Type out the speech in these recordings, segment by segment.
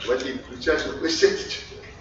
Вадим, включаешь на площадке.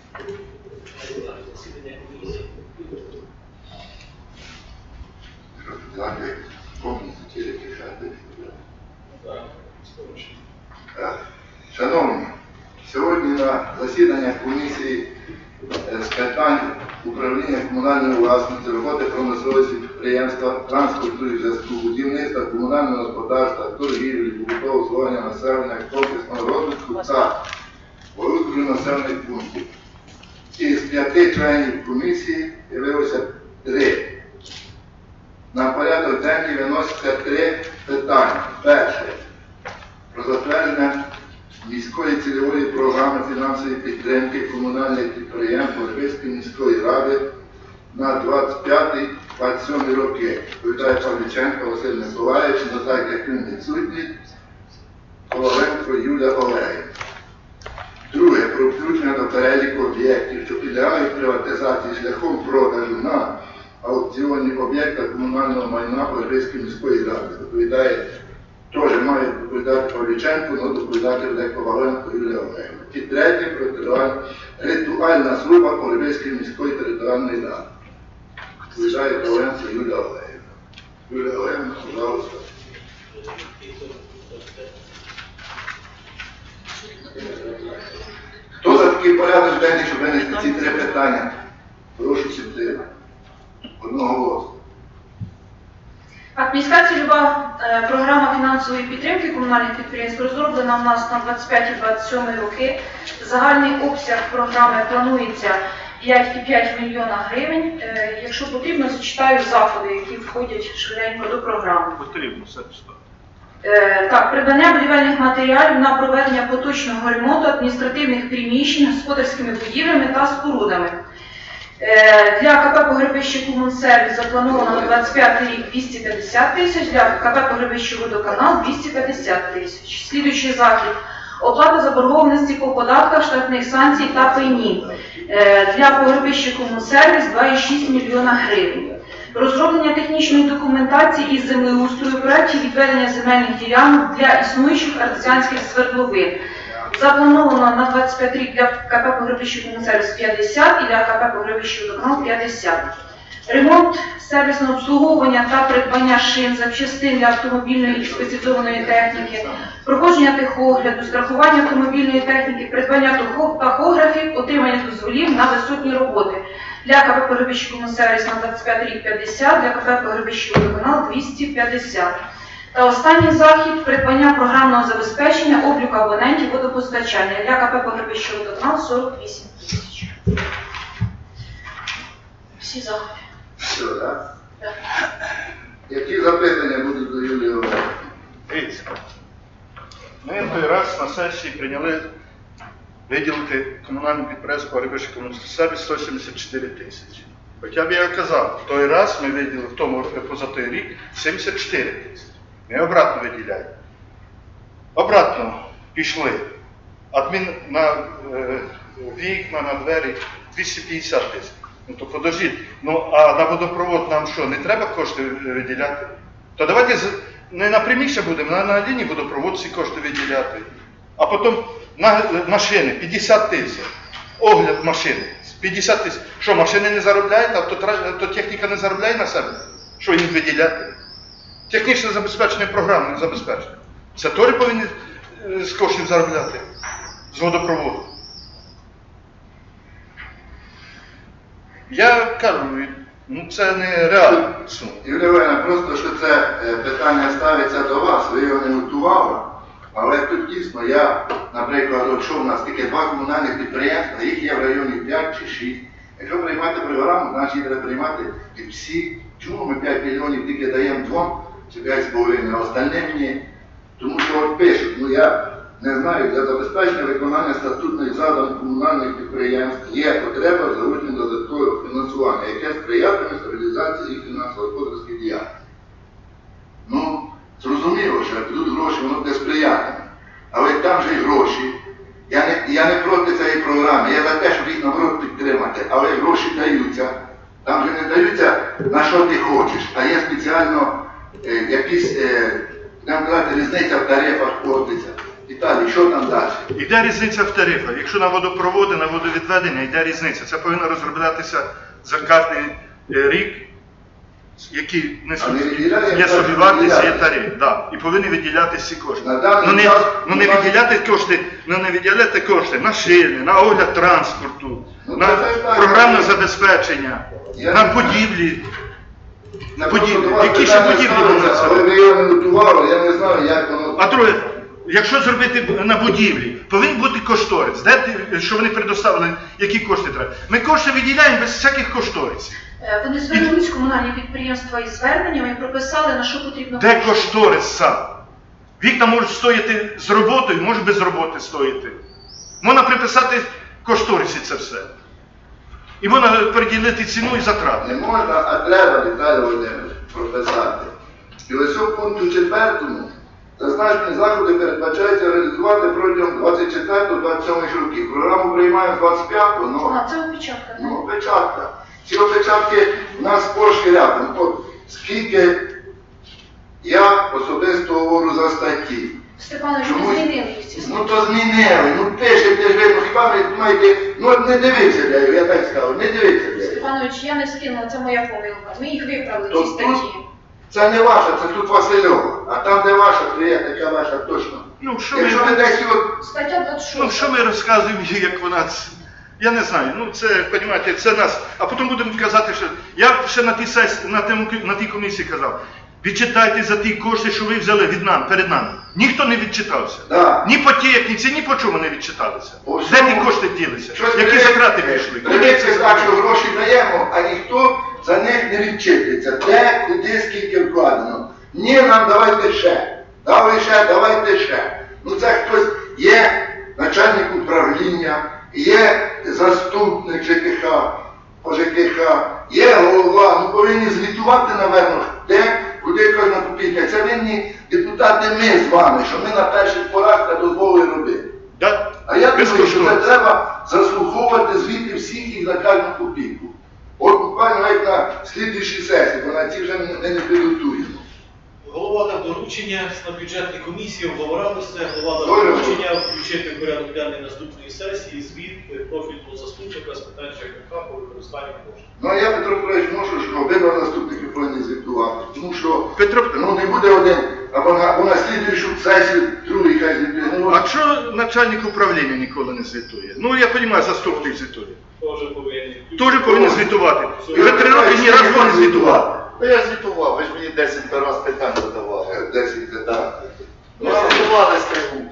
Шановні, сьогодні на засіданнях комісії з питань управління комунальної власності, роботи промисловості підприємства, транспорту і зв'язку, будівництва, комунального господарства, торгівлі, побутового обслуговування населення, комплексного розвитку та розбудови населених пунктів. Із 5 членів комісії з'явилося 3. На порядок денний виносяться 3 питання. Перше. Про затвердження міської цільової програми фінансової підтримки комунальних підприємств Горбицької міської ради на 25-27 роки. Відповідає Павліченко Василь Миколаївич, но так як він відсутній, Коваленко Юлія Олегівна. Друге. Про включення до переліку об'єктів, що підлягають приватизації шляхом продажу на аукціонні об'єкта комунального майна Горбицької міської ради. Доповідає, теж має доповідати Павліченко, але доповідати буде Коваленко Юлія Олегівна. І третє. Про ритуальна служба Горбицької міської територіальної ради. Доповідає Коваленко Юлія Олегівна. Юлія Олегівна, пожалуйста. Хто за такий порядок денний, щоб винести ці 3 питання? Прошу сюди. Одноголосно. Так, міська цільова програма фінансової підтримки комунальних підприємств розроблена у нас на 25-27 роки. Загальний обсяг програми планується 5,5 мільйона гривень. Якщо потрібно, зачитаю заходи, які входять швиденько до програми. Потрібно, все читати. Так, придбання будівельних матеріалів на проведення поточного ремонту адміністративних приміщень господарськими будівлями та спорудами. Для КП «Погребище Комунсервіс» заплановано на 25 рік 250 тисяч, для КП «Погребище Водоканал» 250 тисяч. Слідуючий захід – оплата заборгованості по податках, штрафних санкцій та пені. Для «Погребища Комунсервіс» 2,6 мільйона гривень. Розроблення технічної документації із землеустрою проєктів відведення земельних ділянок для існуючих артезіанських свердловин. Заплановано на 25 рік для КП «Погребище Комунсервіс» 50 і для КП «Погребище Водоканал» 50. Ремонт, сервісне обслуговування та придбання шин, запчастин для автомобільної і спеціалізованої техніки, проходження техогляду, страхування автомобільної техніки, придбання тахографів, отримання дозволів на висотні роботи. Для КП «Погребище Комунсервіс» на 25 рік 50, для КП «Погребище Водоканал» 250. Та останній захід – придбання програмного забезпечення обліку абонентів водопостачання. Для КП «Погребище Водоканал» 48 тисяч. Всі заходи. Все, так? Так. Які запитання будуть до Юлії Олегівни? Дивіться. Ми той раз на сесії прийняли виділити комунальному підприємству «Погребище Комунсервіс» 174 тисячі. Хоча б я казав, в той раз ми виділили, в тому позатой рік, 74 тисячі. Ми обратно виділяємо. Обратно пішли. На вікна, на двері 250 тисяч. Ну то подождіть, а на водопровод нам що, не треба кошти виділяти? То давайте не на приміщення будемо, на лінії водопровод ці кошти виділяти. А потім на машини 50 тисяч. Огляд машини 50 тисяч. Що, машини не заробляють, а то техніка не заробляє на себе? Що їм виділяти? Технічне забезпечення, програмне забезпечення. Це теж повинні з коштів заробляти, з водопроводу. Я кажу, це не реально. Юлія Олегівна, просто що це питання ставиться до вас, ви його не готували, але тут дійсно я, наприклад, якщо в нас тільки 2 комунальних підприємства, їх є в районі 5 чи 6. Якщо приймати програму, значить треба приймати і всі. Чому ми 5 мільйонів тільки даємо 2? Чи 5,5, а остальне ні. Тому що от пишуть, я не знаю, для забезпечення виконання статутних завдань комунальних підприємств є потреба в залученні додаткового фінансування, яке сприятиме стабілізації їх фінансово-господарських діяльності. Зрозуміло, що як будуть гроші, воно буде сприятиме. Але там же й гроші. Я не проти цієї програми, я за те, щоб їх наоборот підтримати, але гроші даються. Там же не даються на що ти хочеш, а є спеціально якісь, будемо казати, різниця в тарифах платиться. І Віталій, що там далі? Йде різниця в тарифах. Якщо на водопроводи, на водовідведення, йде різниця. Це повинно розроблятися за кожен рік, які А не несуть, виділяє є собівартість, є виділяє. тариф. Да. І повинні виділятися ці кошти. На даний Ну не, час ну, не виділяти кошти, ну не виділяти кошти на шини, на огляд транспорту, Ну, на це так. програмне забезпечення, Я на не будівлі. Я Будівлі. просто до вас Які ще питання будівлі ставиться, будуть? але ви його не готували, я не знаю, як воно. А друге, якщо зробити на будівлі, повинен бути кошторис. Де що вони предоставили, які кошти треба. Ми кошти виділяємо без всяких кошторисів. Вони звернулись комунальні підприємства із зверненнями і прописали, на що потрібно Де кошти. кошторис сам? Вікна можуть стояти з роботою, може без роботи стояти. Можна приписати в кошторисі це все. І можна приділити ціну і затрати. Не можна, а треба, Віталій Володимирович, прописати. І ось у пункту 4 зазначені заходи передбачається реалізувати протягом 24-27 років. Програму приймаємо з 25-го, ну, А, це опечатка, так? опечатка. Ці опечатки у нас сплошь рядом. От скільки я особисто говорю за статті. Степанович, Чому? ми змінили їх ці Ну то змінили, ну пишете ж ви, ну хіба ви маєте, ну не дивіться для його, я так скажу, не дивіться для його. Степанович, я не скинула, це моя помилка. Ми їх виправили, То ці статті. Це не ваша, це тут Васильова, а там де ваша, то є така ваша точно. Ну, що ми, Якщо ви десь от, Стаття 26. ну, що ми розказуємо, як вона... Я не знаю, ну це, розумієте, це нас. А потім будемо казати, що... Я ще на тій сесії, на тій комісії казав, відчитайте за ті кошти, що ви взяли від нам, перед нами. Ніхто не відчитався. да. Ні по техніці, ні по чому не відчиталися. По Де всьому. ті кошти ділися? Щось Які затрати вийшли? Придеться так, що гроші даємо, а ніхто за них не відчитується. Де, куди, скільки вкладено. Ні, нам давайте ще. Дали ще, давайте ще. Ну це хтось є начальник управління, є заступник ЖКХ, по ЖКХ, є голова, ну повинні звітувати, напевно, де, куди кожна копійка. Це винні депутати ми з вами, що ми на перших порах не дозволили робити. Да? А я думаю, що це Безкоштовно. треба заслуховувати звіти всіх їх за кожну копійку. От буквально навіть на слідуючій сесії, бо на ці вже не підготуємо. Голова дав доручення на бюджетній комісії, обговоралося, голова Добре. дав доручення включити в порядок денний наступної сесії звіт профільного заступника з питань ЖКХ по використанню коштів. Ну а я, Петро Петрович, можу, що обидва заступники повинні звітувати. Тому що Петро, ну, не буде один, або на слідуючу сесію другий хай звітує. Ну, а чого начальник управління ніколи не звітує? Ну, я розумію, заступник звітує. Теж повинні. Теж повинен звітувати. І вже 3 роки ні разу не звітував. Ну я звітував, ви ж мені 10 раз питань задавали. 10 питань. Ну, звітували з трибуни.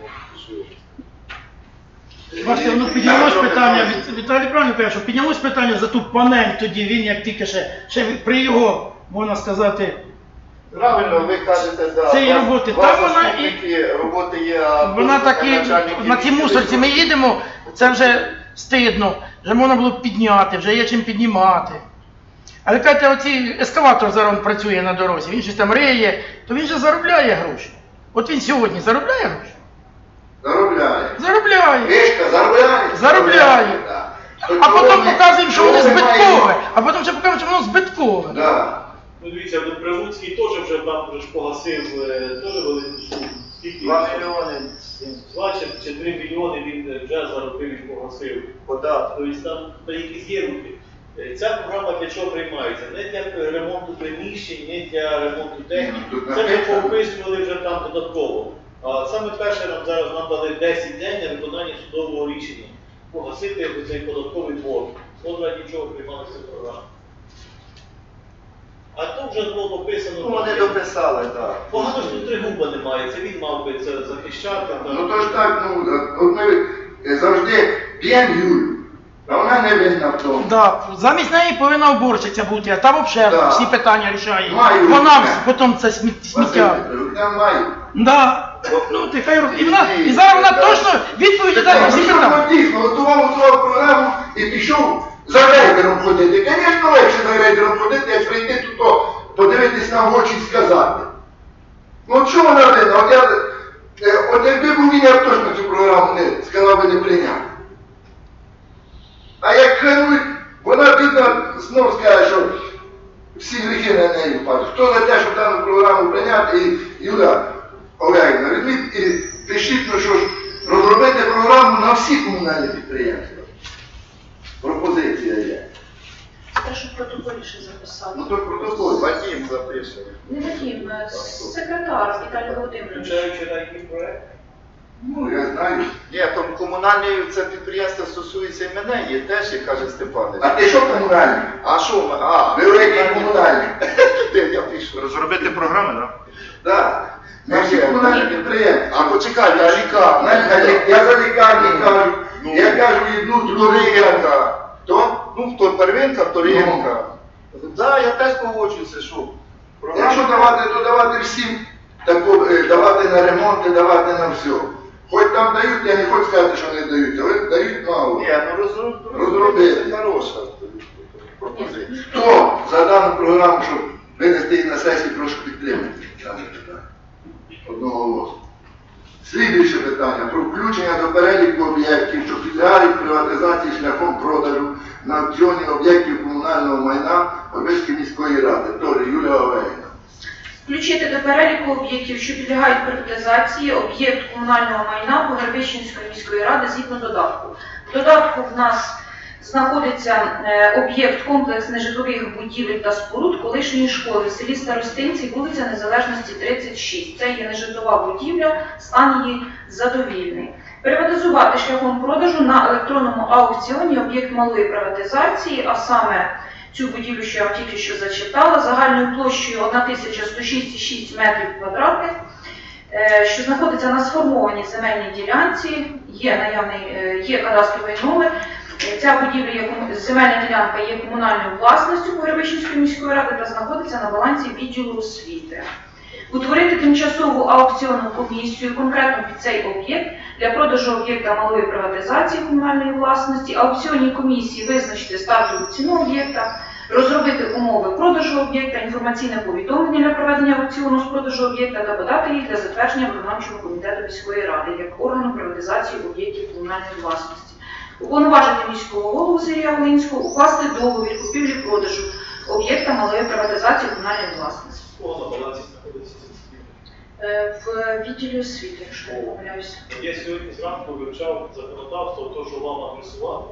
Бачите, ну піднялось питання, Віталій правильно каже, що піднялось питання за ту панель тоді, він як тільки ще при його, можна сказати, Правильно, ви кажете, да. Це і у вас- роботи. у вас Та вона заступники, роботи є, а вона таки, начальники на ті відділів- мусорці ми їдемо, це вже стидно, вже можна було б підняти, вже є чим піднімати. Але кажете, оці ескаватор зараз він працює на дорозі, він щось там риє, то він же заробляє гроші. От він сьогодні заробляє гроші? Заробляє. Заробляє. Вишка заробляє? Заробляє. так. А потім показуємо, що воно чого ми збиткове, маємо? а потім ще покажемо, що воно збиткове. Да. Ну дивіться, Прилуцький теж вже там вже ж погасив теж велику суму. Скільки? 2 мільйони 2 чи 3 мільйони він вже заробив і погасив. податку. Тобто там якісь є руки. Ця програма для чого приймається? Не для ремонту приміщень, не для ремонту техніки. Ну, тут Це ми написано. поописували вже там додатково. А саме перше нам зараз дали 10 день на виконання судового рішення. Погасити цей податковий борг. От раді чого приймалася програма. А тут вже було дописано. Ну, вони дописали, так. Погано, що Тригуба немає, це він мав би це захищати. Ну то ж так, ну, от ми завжди п'ємо Юлю, а вона не винна в тому. Да, замість неї повинна уборщиця бути, а там взагалі Да. всі питання рішає. Маю. Вона потім це Василь сміття. Петрович, там має. Да. Ну, ти хай і вона, і зараз вона точно відповіді дасть на всі Пішов питання. дійсно, готував програму і пішов за рейдером ходити. Звісно, легше за рейдером ходити, як прийти тут, подивитись на очі і сказати. Ну от що вона винна? От якби був він, я б точно цю програму не сказав би не прийняв. А як керують, вона бідна знов скаже, що всі гріхи на неї впадуть. Хто за те, щоб дану програму прийняти, і Юля Олегівна, візьміть і пишіть, ну що ж, розробити програму на всі комунальні підприємства. Пропозиція є. Те, що в протоколі ще записали. Ну то протокол. Вадим запише. Не Вадим, секретар Віталій Володимирович. Включаючи на який проект? Ну, я знаю. Ні, то комунальне це підприємство стосується і мене, є теж, як каже Степанович. А ти що комунальний? А що ми? А, Великий комунальний. я пишу. Розробити програми, так? Так. На всі комунальні підприємства. А почекайте, а лікарня? Я за лікарні кажу. Ну, Я кажу, одну, другу. Вторинка. То? Ну, хто первинка, вторинка. Так, я теж погоджуюся, що. Якщо давати, то давати всім, давати на ремонт, давати на все. Хоч там дають, я не хочу сказати, що не дають, але дають мало. Ні, ну Розробити. це хороша пропозиція. Хто за дану програму, щоб винести її на сесію, прошу підтримати дане питання. Одного голосу. Слідуюче питання про включення до переліку об'єктів, що підлягають приватизації шляхом продажу на аукціоні об'єктів комунального майна Горбицької міської ради. Тож Юлія Овейна. Включити до переліку об'єктів, що підлягають приватизації, об'єкт комунального майна Погребищенської міської ради згідно додатку. В додатку в нас знаходиться об'єкт комплекс нежитлових будівель та споруд колишньої школи в селі Старостинці, вулиця Незалежності 36. Це є нежитлова будівля, стан її задовільний. Приватизувати шляхом продажу на електронному аукціоні об'єкт малої приватизації, а саме цю будівлю, що я вам тільки що зачитала, загальною площею 1106,6 метрів квадратних, що знаходиться на сформованій земельній ділянці, є кадастровий номер. Ця будівля, земельна ділянка є комунальною власністю Погребищенської міської ради та знаходиться на балансі відділу освіти. Утворити тимчасову аукціонну комісію конкретно під цей об'єкт для продажу об'єкта малої приватизації комунальної власності, аукціонній комісії визначити стартову ціну об'єкта, розробити умови продажу об'єкта, інформаційне повідомлення для проведення аукціону з продажу об'єкта та подати їх для затвердження виконавчого комітету міської ради як органу приватизації об'єктів комунальної власності. Уповноважити міського голову Сергія Волинського укласти договір купівлі-продажу об'єкта малої приватизації комунальної власності. Кого на балансі знаходиться ця будівля? В відділі освіти, якщо я не помиляюся. Я сьогодні зранку вивчав законодавство, то, що вам адресували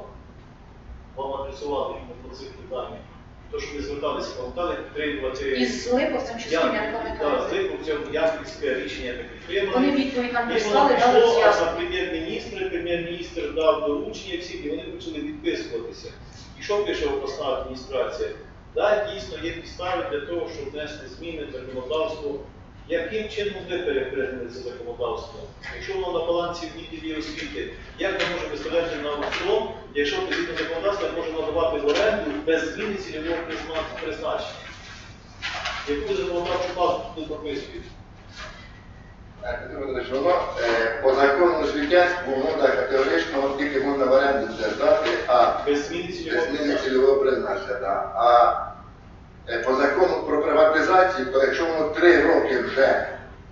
іменно по цих питаннях. То, що ви зверталися, пам'ятали, підтримувати... Із Липовцем чи з ким, я не пам'ятаю. Так, з Липовцем, Ямпільське рішення таке підтримали. Вони відповідь нам І прислали, воно дали пішло, а роз'яснення. прем'єр-міністр дав доручення всім, і вони почали відписуватися. І що пише обласна адміністрація? Так, дійсно, є підстави для того, щоб внести зміни в законодавство. Яким чином ви перепрягнули це законодавство? Якщо воно на балансі в відділі освіти, як ми можемо виставляти на аукціон, якщо згідно законодавства може надавати в оренду без зміни цільового призначення? Яку законодавчу базу тут прописують? Воно по закону освітянському воно так категорично тільки можна в оренду держати, а Без зміни цільового зміни призначення. цільового призначення. Да. А по закону про приватизацію, то якщо воно 3 роки вже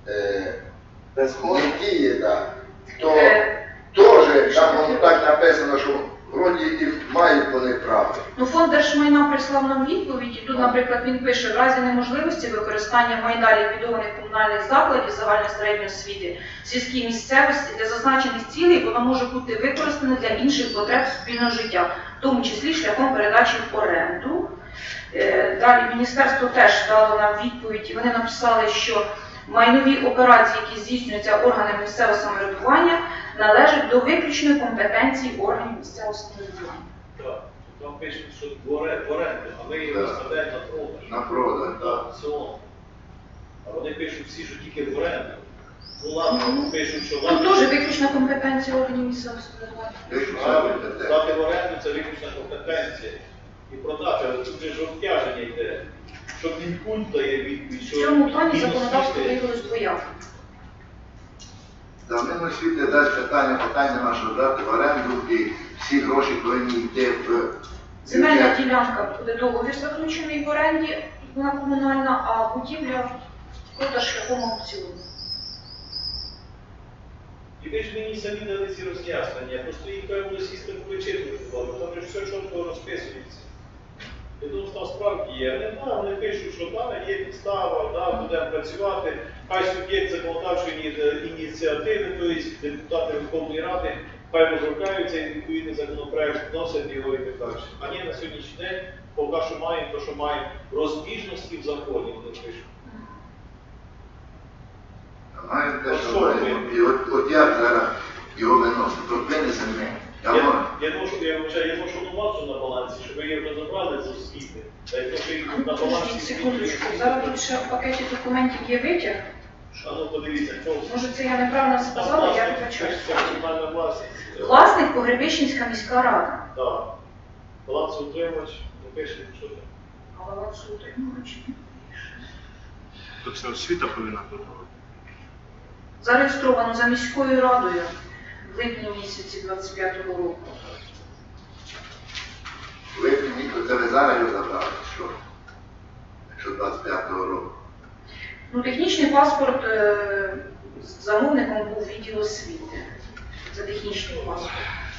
не діє, да, то теж там воно так написано, що вроді і мають вони право. Ну, фонд держмайна прислав нам відповідь, і тут, наприклад, він пише, в разі неможливості використання майна ліквідованих комунальних закладів загальної середньої освіти в сільській місцевості для зазначених цілей воно може бути використане для інших потреб суспільного життя, в тому числі шляхом передачі в оренду. Далі міністерство теж дало нам відповідь, і вони написали, що майнові операції, які здійснюються органами місцевого самоврядування, належать до виключної компетенції органів місцевого самоврядування. Так, там пишуть, що в оренду, а ми його Так. виставляємо на продаж. На продаж, На так. аукціон. А вони пишуть всі, що тільки в оренду. Ну ладно, пишуть, що Тут ладно. теж виключна компетенція органів місцевого самоврядування. Правильно, здати в оренду це виключна компетенція. І продати, але тут же ж обтяження йде. Що Мінкульт дає відповідь, В що цьому плані Міносвіти- законодавство виявилось двояко. За Міносвіти дасть питання нема, що дати в оренду, і всі гроші повинні йти в Земельна бюджет. ділянка буде договір заключений в оренді, вона комунальна, а будівля продаж шляхом аукціону. І ви ж мені самі дали ці роз'яснення, просто їх певно сістем вичитувати, там же все чітко розписується. Я думаю, там справді є. Вони пишуть, що там є підстава, будемо працювати. хай суб'єкт законодавчої ініціативи, тобто депутати Верховної Ради, хай розробляються і відповідний законопроект вносять його і так далі. А ні, на сьогоднішній день поки що маємо те, що маємо розбіжності в законі, вони пишуть. Маємо те, що маємо. І от як зараз його виносити? От винесемо ми. Я думаю, що масу на балансі, щоб ви її розібрали з освіти. Та якщо їх на балансі... Подождіть секундочку, зараз тут ще в пакеті документів є витяг. А ну подивіться, хто... Може це я неправильно сказала, я вибачаюсь. Комунальна власність. Власник Погребищенська міська рада. Так. Балансоутримувач, не пише, що там. А балансоутримувач не пише. То це освіта повинна бути. Зареєстровано за міською радою в липні місяці 25-го року. Ви це ви зараз його забрали, що? Якщо 25-го року. Ну, технічний паспорт з замовником був відділ освіти. За технічний паспорт.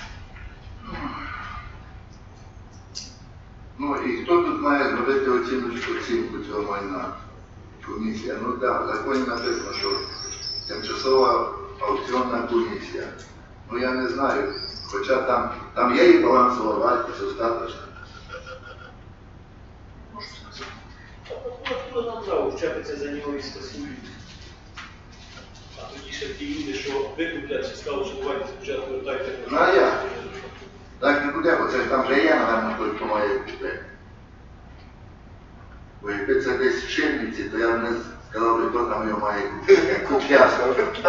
Ну і хто тут має зробити оцінку цього майна? Комісія. Ну так, в законі написано, що тимчасова аукціонна комісія. Ну я не знаю, хоча там є і балансова вартість остаточна. Можу сказати. Хто нам право вчатися за нього і скасують? А тоді ще ті люди, що викуплять, чи скажуть, що давайте спочатку вертайте. Ну а як? Так не буде, бо це там вже є, напевно, той, хто має купити. Бо якби це десь в Шинниці, то я б не сказав, хто там його має купити. Куп'ясно.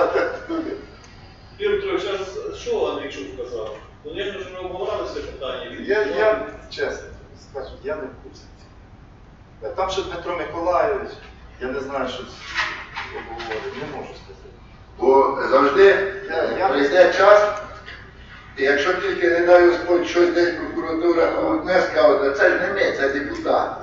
Юрій Петрович, а що Андрійчук сказав? Ну, я ж ми обговорили це питання. Я чесно скажу, я не в курсі. Там ще Дмитро Миколайович, я не знаю, що обговорив, не можу сказати. Бо завжди прийде час, і якщо тільки не дай Господь щось десь прокуратура одне скаже, це ж не ми, це депутати.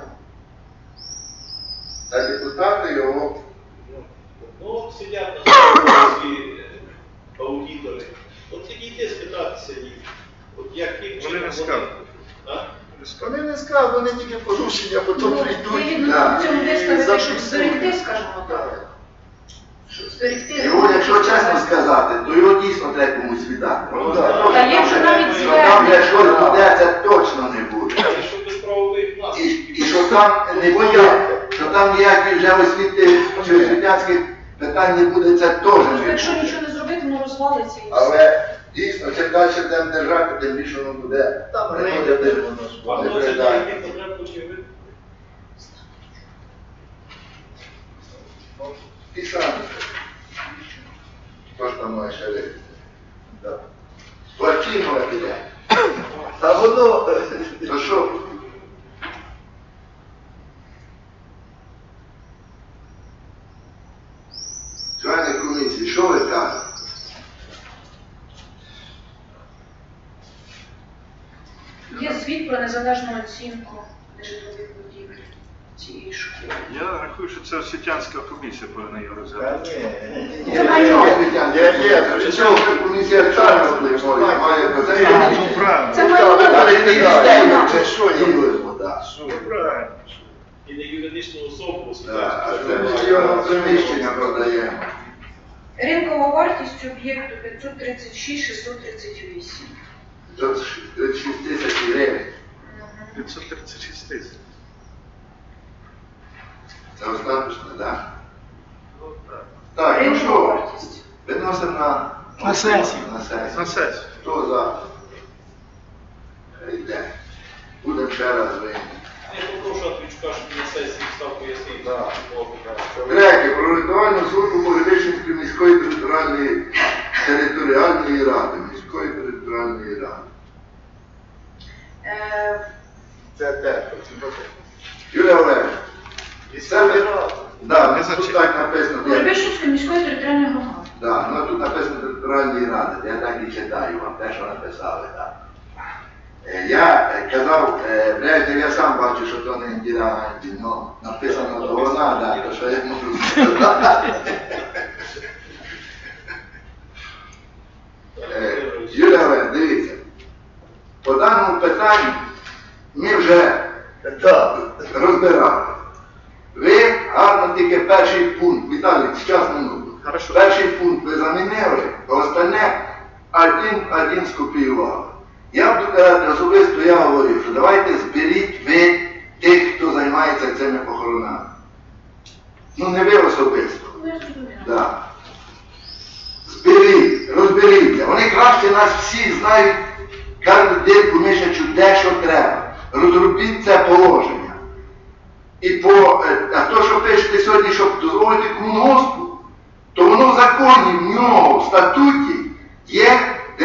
Це депутати його. Ну, сидять на столі аудитори. От підійти спитатися їх. От як Вони не скажуть. А? Вони не скажуть, вони тільки порушення, потім Ну, прийдуть. вигідно да. в цьому І виставити, щоб записують. зберегти, скажімо так. Щоб зберегти. Його, якщо чесно сказати, то його дійсно треба комусь віддати. Ну, да. Та є вже навіть Що там звернення. вже щось буде, це точно не буде. Це щоб без правових І наслідків. що там не буде, що там ніяких вже освіти чи освітянських питань не буде, це теж Просто не якщо буде. нічого не зробити, воно розвалиться і все. Але дійсно, чим далі будемо держати, тим більше воно буде. Там приходити рейди, воно ж. А не хто це придає. такий потреб очевидно? І самі. Хто ж там має ще вийти? Да. Плачимо піде. Та воно, То що? Члени комісії, що ви кажете? Є звіт про незалежну оцінку нежитлових будівель цієї школи. Я рахую, що це освітянська комісія повинна його та розглядати. ні. Це майно. Є, чого комісія чого впливає, має до це. Ну, правильно. Це майно. Але не Це це що їм так. Ну, правильно. І не юридичну особу Так, освітянську. це ми його приміщення продаємо. Ринкова вартість об'єкту 536 638. Тут 36 тисяч гривень. 536 тисяч. Це остаточно, так? Так, ну Ринкова що, вартість. виносимо На сесію. На сесію. На сесію. Хто за? Йде. Будемо ще раз вийти. Я попрошу Андрійчука, щоб на сесії став пояснити. Да. Третє. Про ритуальну службу Погребищенської міської територіальної ради. Міської територіальної ради. Це те. Юрій Олегович, І саме рад. да, Не тут зачем. так написано. Погребищенської міської територіальної громади. Да, ну тут написано територіальної ради. Я так і читаю вам те, що написали. Так. Я казав, Брежнєв, я сам бачу, що то не Індіра Ганді, ну, написано, то вона, да, то що я можу сказати. Юрій Олегович, дивіться, по даному питанню ми вже Так. розбирали. Ви гарно тільки перший пункт, Віталій, зараз минуту. Хорошо. Перший пункт ви замінили, а остальне один скопіювали. Я буду казати особисто, я говорив, що давайте зберіть ви тих, хто займається цими похоронами. Ну не ви особисто. Да. Зберіть, розберіться. Вони краще нас всіх знають, кажуть дирку мишачу, де що треба. Розробіть це положення. А то, що пишете сьогодні, щоб дозволити комунгоспу, то воно в законі, в нього, в статуті є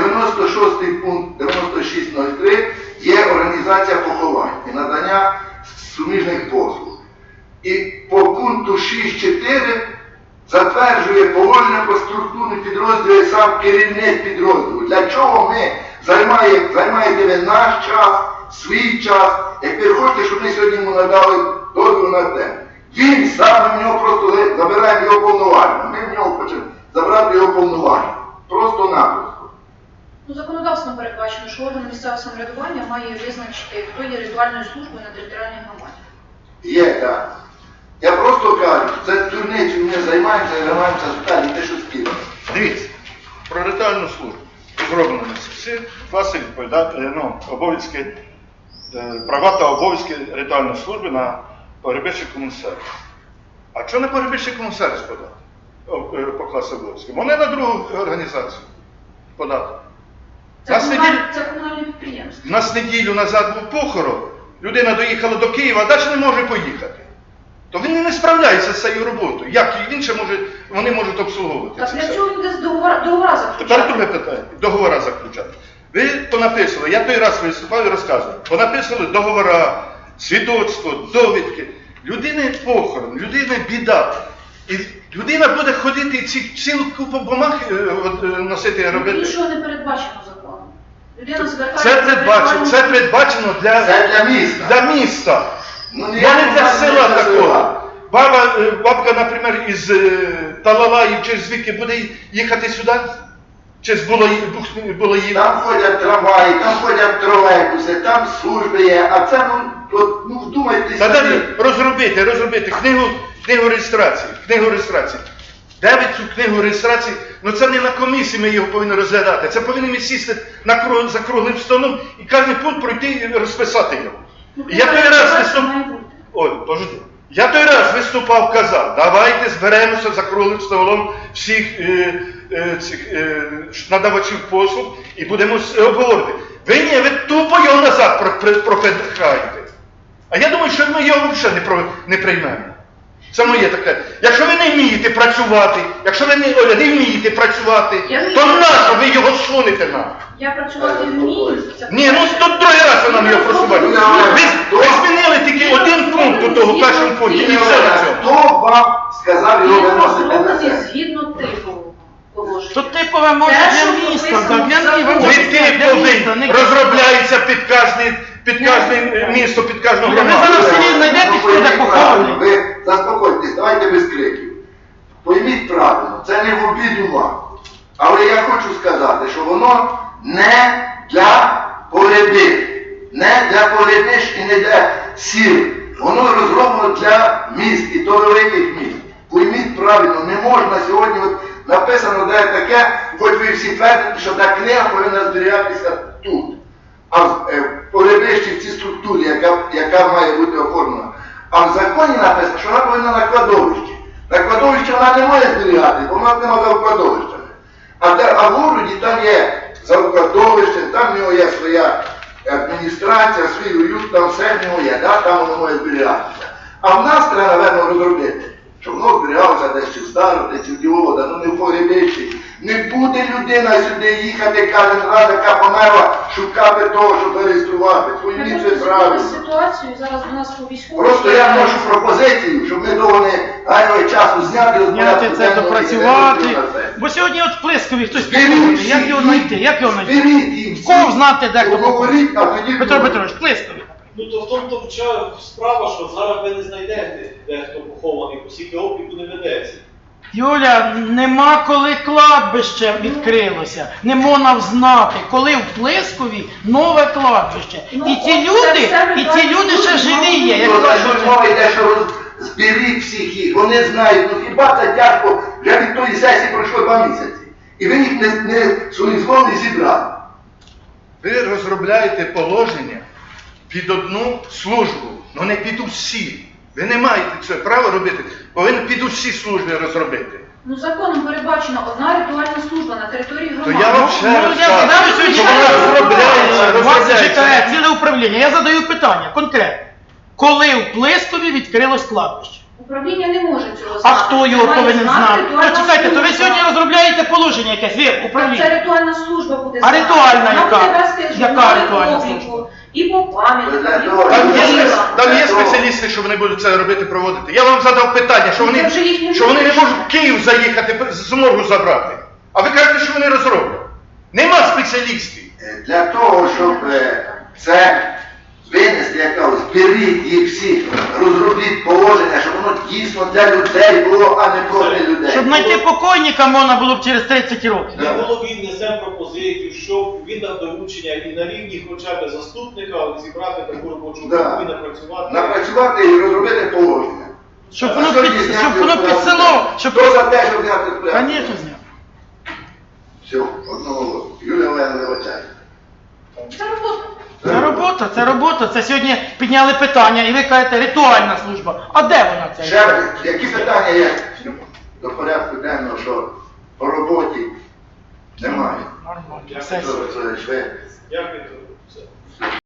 96 пункт 9603, є організація поховань і надання суміжних послуг. І по пункту 6.4 затверджує положення про структурні підрозділи сам керівник підрозділу. Для чого ми займаєте ви наш час, свій час, як ви хочете, щоб ми сьогодні йому надали дозвіл на те. Він сам, в нього просто забираємо його повноваження. Ми в нього хочемо забрати його повноваження. Просто-напросто. Ну, законодавством передбачено, що орган місцевого самоврядування має визначити, хто є ритуальною службою на територіальній громаді. Є, так. Я просто кажу, це дурницю ми займаємося далі, те, що скидано. Дивіться, про ритуальну службу зроблено на всі класи обов'язки, права та обов'язки ритуальної служби на погребище комунсервіс. А чого не погребище комунсервіс подати? По класу обов'язків? Вони на другу організацію подати. Це комунальне підприємство. У нас неділю назад був похорон, людина доїхала до Києва, а далі не може поїхати. То він не справляється з цією роботою. Як він ще може, вони можуть обслуговувати Так це для все? цього він десь договора заключати. Тепер друге питання. Договора заключати. Ви понаписали, я той раз виступав і розказував, понаписали договора, свідоцтво, довідки. Людини похорон, людини біда. І людина буде ходити і цілу купу бумаг носити і робити. Нічого не передбачено законом. Людина звертається... Це передбачено Це для міста. для міста. Ну, Я не для села такого. Бабка, наприклад, із Талалаїв чи звідки буде їхати сюди? Чи з Булаїв? Там ходять трамваї, там ходять тролейбуси, там служби є, а це, ну вдумайтеся. Та далі розробити книгу реєстрації. Де ви цю книгу реєстрації? Ну це не на комісії ми його повинні розглядати. Це повинні ми сісти за круглим столом і кожен пункт пройти і розписати його. Я той раз виступав, казав, давайте зберемося за круглим столом всіх надавачів послуг і будемо обговорити. Ви тупо його назад пропихаєте. А я думаю, що ми його взагалі не приймемо. Це моє таке. Якщо ви не вмієте працювати, то нащо ви його сунете нам? Я працювати вмію. Ні, ну тут другий раз ви нам його просувати. Ви змінили тільки один пункт у того першому пункті, і все на цьому. Хто вам сказав його Він виносити на розроблений це? згідно типового положення. То типове може Те, для що міста, прописано так, в законі. Типовий розробляється під кожне місто, під кожну Ви громаду. зараз селі знайдете, хто де похований. Ви заспокойтесь, давайте без криків. Пойміть правильно, це не в обіду вам. Але я хочу сказати, що воно не для погребів, не для погребищ і не для сіл. Воно розроблено для міст і то великих міст. Пойміть правильно, не можна сьогодні, от написано де таке, хоч ви всі твердите, що та книга повинна зберігатися тут. А в погребищі в цій структурі, яка має бути оформлена. А в законі написано, що вона повинна на кладовищі. На кладовищі вона не може зберігати, бо вона нема за кладовищами. А в городі там є завкладовище, там в нього є своя адміністрація, свій уют, там все в нього є, да? Там воно може зберігатися. А в нас треба, напевно, розробити, щоб воно зберігалося десь чи в Староті, чи в Дівода, ну не в погребищі. Не буде людина сюди їхати кожен раз, яка померла, шукати того, щоб реєструвати. Пойміть це правильно. Ситуацію зараз до нас по військовому. Просто я вношу пропозицію, щоб ми довго не гайнули часу зняти, Зняти це, допрацювати. Бо сьогодні от в Плискові хтось похований. Як його знайти? Як його знайти? Зберіть їм. В кого знати, де хто похований? Говоріть, а тоді... Петро Петрович, Плискові. Ну то в тому справа, що зараз ви не знайдете, де хто похований, оскільки обліку не ведеться. Юля, нема коли кладбище відкрилося. Не можна взнати, коли в Плискові нове кладбище. Ну, І ці це все люди ще живі є. Як Ну, кажуть, значить, мова йде, що зберіть всіх їх, вони знають, ну хіба це тяжко, вже від тої сесії пройшло 2 місяці. І ви їх не своїм злом не зібрали. Ви розробляєте положення під одну службу, але не під усі. Ви не маєте це право робити, повинні під усі служби розробити. Ну, законом передбачена одна ритуальна служба на території То громади. я вам ще Ну, раз я кажу, задаю сьогодні що вона розробляється, у вас розробляється. чекає ціле управління. Я задаю питання конкретно. Коли в Плискові відкрилось кладбище? Управління не може цього знати. А хто його Це має повинен знати? ритуальна Почекайте, то ви служба. сьогодні розробляєте положення якесь, ви, Так управління. це ритуальна служба буде А знати. ритуальна Вона яка? буде вести Яка журнали ритуальна обліку, служба? і по пам'яті, і по Там є ділам. спеціалісти, що вони будуть це робити, проводити. Я вам задав питання, що Це вони, вже їхні що вони не вирішення. можуть в Київ заїхати, з моргу забрати. А ви кажете, що вони розроблять. Нема спеціалістів. Для того, щоб це винести, як кажуть, зберіть їх всіх, розробіть положення, щоб воно дійсно для людей було, а не проти людей. Щоб знайти покойника можна було б через 30 років. Ми голові внесемо пропозицію, щоб він дав доручення і на рівні хоча б заступника зібрати таку робочу Да. групу і напрацювати. Напрацювати і розробити положення. Щоб А воно сьогодні під, зняти щоб воно з під порядку село, денного. щоб... Хто за те, щоб зняти з порядку? Звісно, зняв. Все, одного голосу. Юлія Олена вибачає. Це робота. Це робота. Це сьогодні підняли питання, і ви кажете, ритуальна служба. А де вона це? Ще раз, які питання є до порядку денного, що по роботі немає? Нормально. Дякую. Все. Що це, Дякую. Все.